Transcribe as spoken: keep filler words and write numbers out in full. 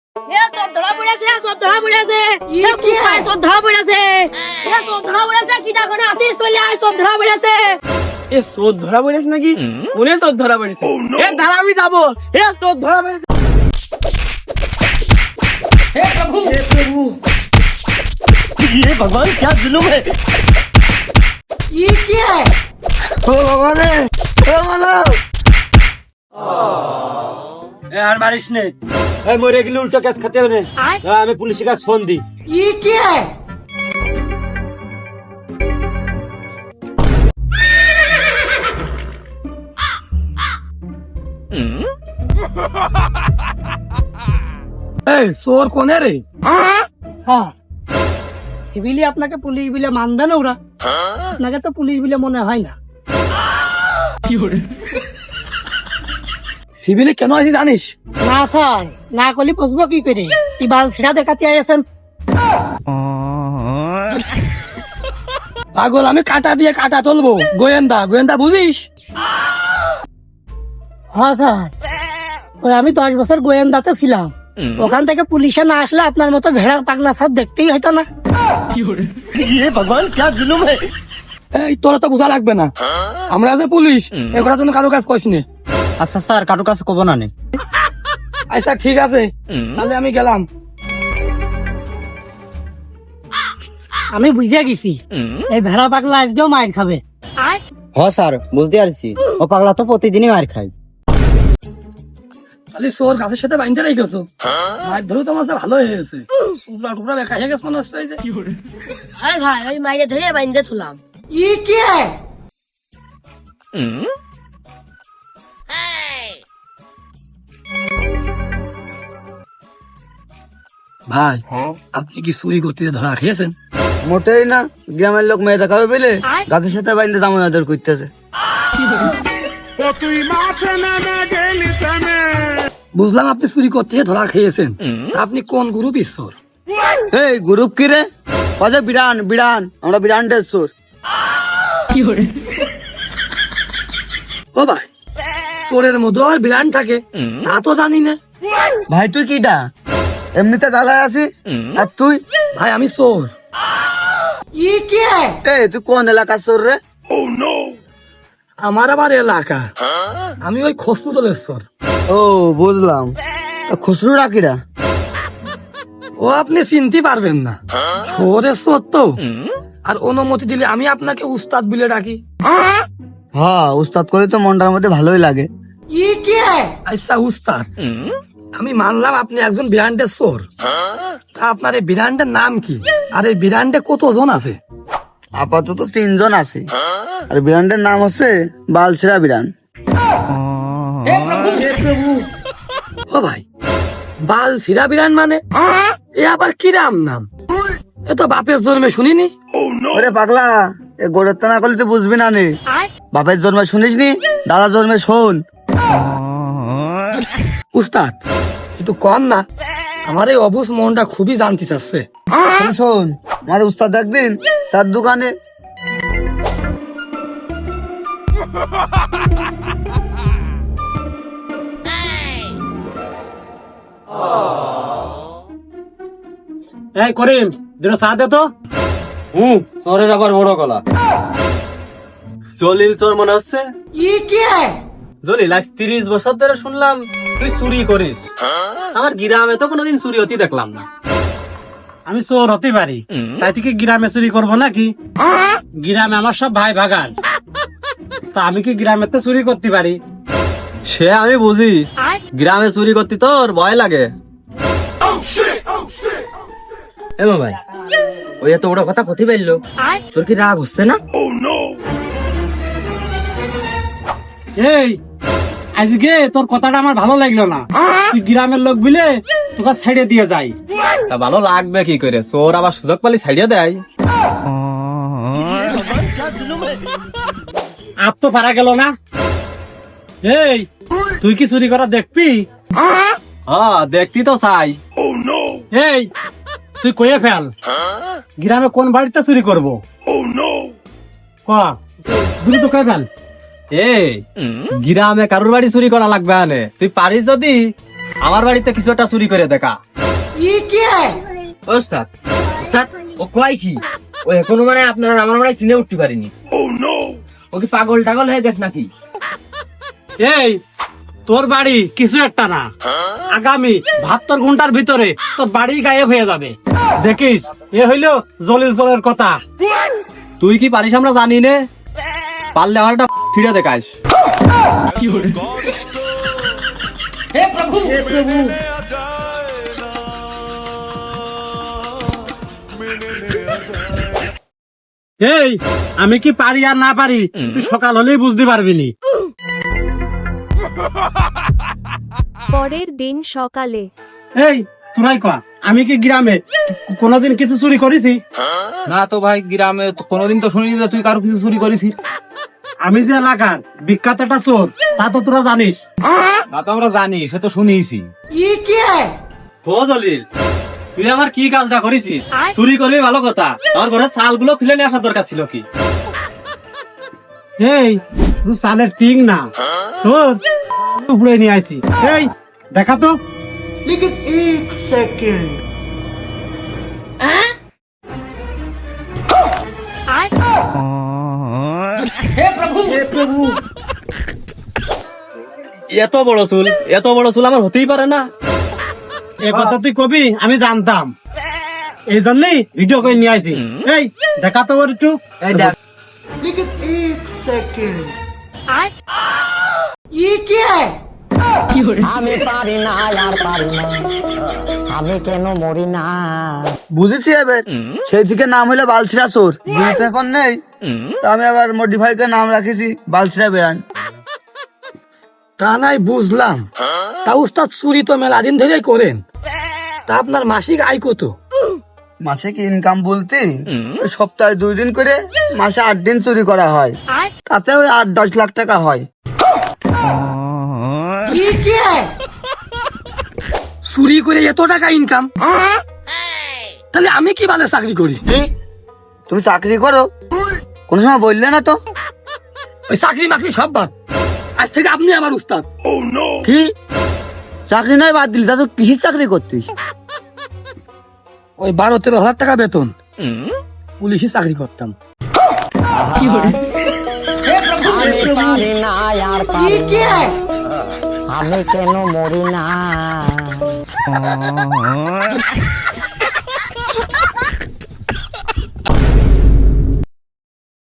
এ সব ধরা পড়েছে, সব ধরা পড়েছে, এ পুষ্পায় সব ধরা পড়েছে, এ সব ধরা পড়েছে, সিধা করে আসিস চলে আয়, সব ধরা পড়েছে। এ চোর ধরা পড়েছে নাকি? কোনে চোর ধরা পড়েছে? এ দাঁড়া, আমি যাবো। এ চোর ধরা পড়েছে। হে প্রভু, হে প্রভু, ये भगवान क्या जुलुम है। ये क्या है? ओ भगवान रे, ओ माला। ए हर बारिश ने ए मोरे के लिए उल्टा केस खाते बने हमें पुलिस का फोन दी। ये क्या है? চোর কোনে রে? স্যার, সিভিলি আপনাকে পুলিশ বিলে মানবে না ওরা? আপনাকে তো পুলিশ বিলে মনে হয় না। সিভিলে কেন আছি জানিস? না স্যার, না করলে বুঝবো কি করে? এই বাল ছিড়া দেখাতে আছেন। পাগল, আমি কাটা দিয়ে কাটা তুলবো। গোয়েন্দা, গোয়েন্দা বুঝিস? হ্যাঁ স্যার, ওই আমি দশ বছর গোয়েন্দাতে ছিলাম। ওখান থেকে পুলিশে না আসলে আপনার মতো ভেড়া পাগলা স্যার দেখতেই হয়তো না। ये भगवान क्या जुलुम है। এই তোরা তো বোঝা লাগবে না, আমরা যে পুলিশ এগুলা জন্য কারো কাজ করিস নি। अच्छा सर काटो का को बनाने। আচ্ছা ঠিক আছে, তাহলে আমি গেলাম। আমি বুঝে গেছি এই ভেড়া পাগলা আজকেও মায়ের খাবে। हाँ सर बुझते आरছি ও পাগলা তো প্রতিদিনই মার খায়। তাহলে চোর গাছের সাথে বাইন্ধে রেখেছো, মাছ ধরেও তোমার সাথে ভালো হয়ে গেছে। টুকরা টুকরা বেকা হয়ে গেছে মনে হচ্ছে। এই যে আরে ভাই, ওই মাইরে ধরে বাইন্ধে তুলাম। ই কে? ভাই, আপনি কি চুরি করতে ধরা খেয়েছেন? মোটেই না, গ্রামের লোক মেয়ে দেখাবে বলে গাছের সাথে বাইন্দে দামোদর করতেছে। বুঝলাম আপনি চুরি করতে ধরা খেয়েছেন। তা আপনি কোন গ্রুপ ঈশ্বর? এই গ্রুপ কি রে? কজে বিরান বিরান, আমরা বিরানটের চোর। ও ভাই, চোরের মধ্যে আর বিরান থাকে তা তো জানি না। ভাই তুই কিটা? এমনিতে জ্বালায় আছি আর তুই? ভাই আমি চোর। এই তুই কোন এলাকার চোর রে? আমার আবার এলাকা, আমি ওই খসরু দলের চোর। ও বুঝলাম, খুচরু রাখিরা। ও আপনি চিনতে পারবেন না, চোরের চোর তো। আর অনুমতি দিলে আমি আপনাকে উস্তাদ বলে ডাকি। হ্যাঁ উস্তাদ করে তো মনটার মধ্যে ভালোই লাগে। আচ্ছা উস্তাদ, আমি মানলাম আপনি একজন ব্র্যান্ডের চোর। তা আপনার এই ব্র্যান্ডের নাম কি? আর এই ব্র্যান্ডে কতজন আছে? আপাতত তিনজন আছে, আর বিরানটার নাম হচ্ছে বালছেরা বিরান। ও ভাই, বাল সিরা বিরান মানে এ আবার কিরাম নাম? এ তো বাপের জন্মে শুনিনি। ওরে পাগলা, এ গোড়ের না করলে তুই বুঝবি না নে। বাপের জন্মে শুনিস নি, দাদার জন্মে শোন। উস্তাদ একটু কম না, আমার এই অবুজ মনটা খুবই জানতে চাচ্ছে। শোন, শোন আমার উস্তাদ একদিন চার দোকানে এই করিম, দুটো চা দে তো। হুম চোরের আবার বড় গলা। জলিল চোর মনে হচ্ছে। জলিল, আজ তিরিশ বছর ধরে শুনলাম তুই চুরি করিস। আমার গ্রামে তো কোনোদিন চুরি হতে দেখলাম না। আমি চোর হতে পারি, তাই থেকে গ্রামে চুরি করবো নাকি? গ্রামে আমার সব ভাই ভাগান, তা আমি কি গ্রামে তো চুরি করতে পারি? সে আমি বুঝি, গ্রামে চুরি করতে তোর ভয় লাগে। এমা ভাই, ওই এত বড় কথা কথি পাইলো, তোর কি রাগ হচ্ছে না? এই আজকে তোর কথাটা আমার ভালো লাগলো না। তুই গ্রামের লোক বিলে তোকে ছেড়ে দিয়ে যাই। তা ভালো লাগবে কি করে? চোর আবার সুযোগ পালি ছাড়িয়ে দেয়। আর তো পারা গেল না। এই তুই কি চুরি করা দেখবি? হ্যাঁ দেখতি তো চাই। এই তুই কয়ে ফেল, গ্রামে কোন বাড়িতে চুরি করবো? ক তো কয়ে ফেল। এই গ্রামে কারোর বাড়ি চুরি করা লাগবে আনে, তুই পারিস যদি আমার বাড়িতে কিছু একটা চুরি করে দেখা। ওস্তাদ ওস্তাদ ও কয় কি ও এখনো মানে আপনারা আমার মানে চিনে উঠতে পারিনি। ও কি পাগল টাগল হয়ে গেছে নাকি? এই তোর বাড়ি কিছু একটা না, আগামী বাহাত্তর ঘন্টার ভিতরে তোর বাড়ি গায়েব হয়ে যাবে। দেখিস, এ হইলো জলিল চোরের কথা। তুই কি পারিস আমরা জানি নে, পারলে আমার একটা ছিঁড়ে দেখাস। এই আমি কি পারি আর না পারি তুই সকাল হলেই বুঝতে পারবি নি। পরের দিন সকালে এই তোরাই কয়া, আমি কি গ্রামে কোনোদিন কিছু চুরি করেছি? না তো ভাই, গ্রামে তো কোনোদিন তো শুনিনি যে তুই কারো কিছু চুরি করেছিস। আমি যে এলাকার বিখ্যাত একটা চোর তা তো তোরা জানিস। না তো আমরা জানি, সে তো শুনিছি। ও জলিল, তুই আমার কি কাজটা করেছিস? চুরি করবি ভালো কথা, আমার ঘরের চালগুলো খুলে নিয়ে আসার দরকার ছিল কি? এই তুই চালের টিং না, তোর উপরে নিয়ে আইছি। এই দেখা তো। এত বড় চুল, এত বড় চুল আমার হতেই পারে না। এ কথা তুই কবি আমি জানতাম, এই জন্যই ভিডিও করে নিয়ে আইছি। এই দেখা তো ওর একটু। এই দেখ আমি পারি না আর পারি না, আমি কেন মরি না। বুঝেছি এবার, সেই থেকে নাম হইলো বালছিরা চোর। যেহেতু এখন নেই, তো আমি আবার মডিফাই করে নাম রাখেছি বালছিরা ব্র্যান্ড। তা নাই বুঝলাম, তা উস্তাদ চুরি তো মেলা দিন ধরেই করেন, তা আপনার মাসিক আয় কত? মাসিক ইনকাম বলতে ওই সপ্তাহে দুই দিন করে মাসে আট দিন চুরি করা হয়, তাতে ওই আট দশ লাখ টাকা হয়। চুরি করে এত টাকা ইনকাম, তাহলে আমি কি ভালো চাকরি করি? কি? তুমি চাকরি করো? কোন সময় বললে না তো। ওই চাকরি মাকরি সব বাদ, আজ থেকে আপনি আমার উস্তাদ। কি চাকরি নয় বাদ দিলি, তা তো কিসের চাকরি করতিস? ওই বারো তেরো হাজার টাকা বেতন, পুলিশে চাকরি করতাম। আমি পারি না আর পারি না, আমি কেন মরি না।